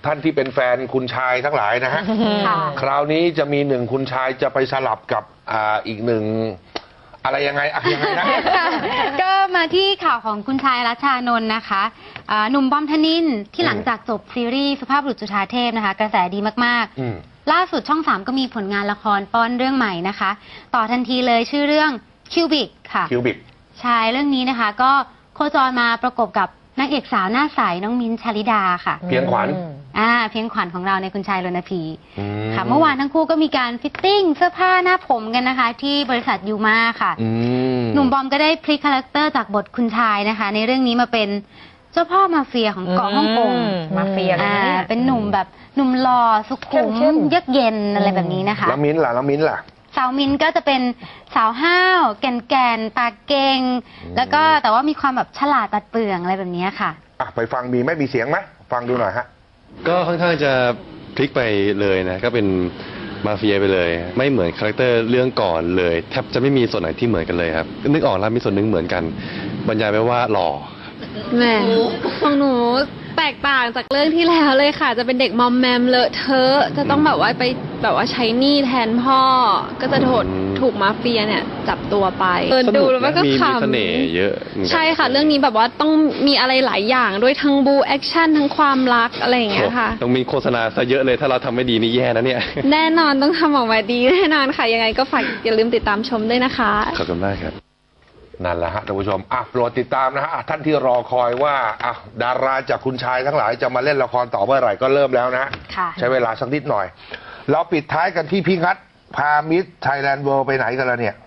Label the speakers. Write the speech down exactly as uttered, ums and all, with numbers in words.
Speaker 1: ท่านที่เป็นแฟนคุณชายทั้งหลายนะฮะคราวนี้จะมีหนึ่งคุณชายจะไปสลับกับอ่าอีกหนึ่งอะไรยังไงอะยังไงนะ
Speaker 2: ก็มาที่ข่าวของคุณชายรัชชานนท์นะคะหนุ่มบอมธนินทร์ที่หลังจากจบซีรีส์สุภาพบุรุษจุฑาเทพนะคะกระแสดีมากๆล่าสุดช่องสามก็มีผลงานละครป้อนเรื่องใหม่นะคะต่อทันทีเลยชื่อเรื่องคิวบิกค่ะ
Speaker 1: คิวบิก
Speaker 2: ใช่เรื่องนี้นะคะก็โคจรมาประกบกับนางเอกสาวหน้าใสน้องมิ้นท์ชลิดาค่ะ
Speaker 1: เพียงขวัญ
Speaker 2: อ่าเพียงขวัญของเราในคุณชายรณพีค่ะเมื่อวานทั้งคู่ก็มีการฟิตติ้งเสื้อผ้าหน้าผมกันนะคะที่บริษัทยูมาค่ะหนุ่มบอมก็ได้พลิกคาแรคเตอร์จากบทคุณชายนะคะในเรื่องนี้มาเป็นเจ้าพ่อมาเฟียของเกาะฮ่องกง
Speaker 3: มาเฟีย
Speaker 2: อ่าเป็นหนุ่มแบบหนุ่มหล่อสุขุมเยือกเย็นอะไรแบบนี้นะคะ
Speaker 1: แล้วมิ้นท์ล่ะแล้วมิ้นท์ล่ะ
Speaker 2: สาวมินก็จะเป็นสาวห้าวแก่นแก่นปากเก่งแล้วก็แต่ว่ามีความแบบฉลาดตัดเปลืองอะไรแบบนี้ค่ะ
Speaker 1: อ่ะไปฟังมีไม่มีเสียงไหมฟังดูหน่อยฮะ
Speaker 4: ก็ค่อนข้างจะพลิกไปเลยนะก็เป็นมาเฟียไปเลยไม่เหมือนคาแรคเตอร์เรื่องก่อนเลยแทบจะไม่มีส่วนไหนที่เหมือนกันเลยครับนึกออกแล้วมีส่วนหนึ่งเหมือนกันบรรยายไปว่าหล่อ
Speaker 5: แหมของหนูแตกต่างจากเรื่องที่แล้วเลยค่ะจะเป็นเด็กมอมแมมเลอะเทอะจะต้องแบบว่าไปแบบว่าใช้หนี้แทนพ่อก็จะโดนถูกมาเฟียเนี่ยจับตัวไป
Speaker 4: เออดูแล้วก็ขำมีเสน่ห์เยอะ
Speaker 5: ใช่ค่ะเรื่องนี้แบบว่าต้องมีอะไรหลายอย่างด้วยทั้งบูแอคชั่นทั้งความรักอะไรอย่างเงี้ยค่ะ
Speaker 4: ต้องมีโฆษณาซะเยอะเลยถ้าเราทำไม่ดีนี่แย่นะเนี่ย
Speaker 5: แน่นอนต้องทำออกมาดีแน่นอนค่ะยังไงก็ฝากอย่าลืมติดตามชมด้วยนะคะ
Speaker 4: ขอบคุณมากครับ
Speaker 1: นั่นแหละฮะท่านผู้ชมอ่ะโปรดติดตามนะฮะท่านที่รอคอยว่าอ่ะดาราจากคุณชายทั้งหลายจะมาเล่นละครต่อเมื่อไหร่ก็เริ่มแล้วนะใช้เวลาสักนิดหน่อยเราปิดท้ายกันที่พี่งัดพามิสไทยแลนด์เวิลด์ไปไหนกันแล้วเนี่ย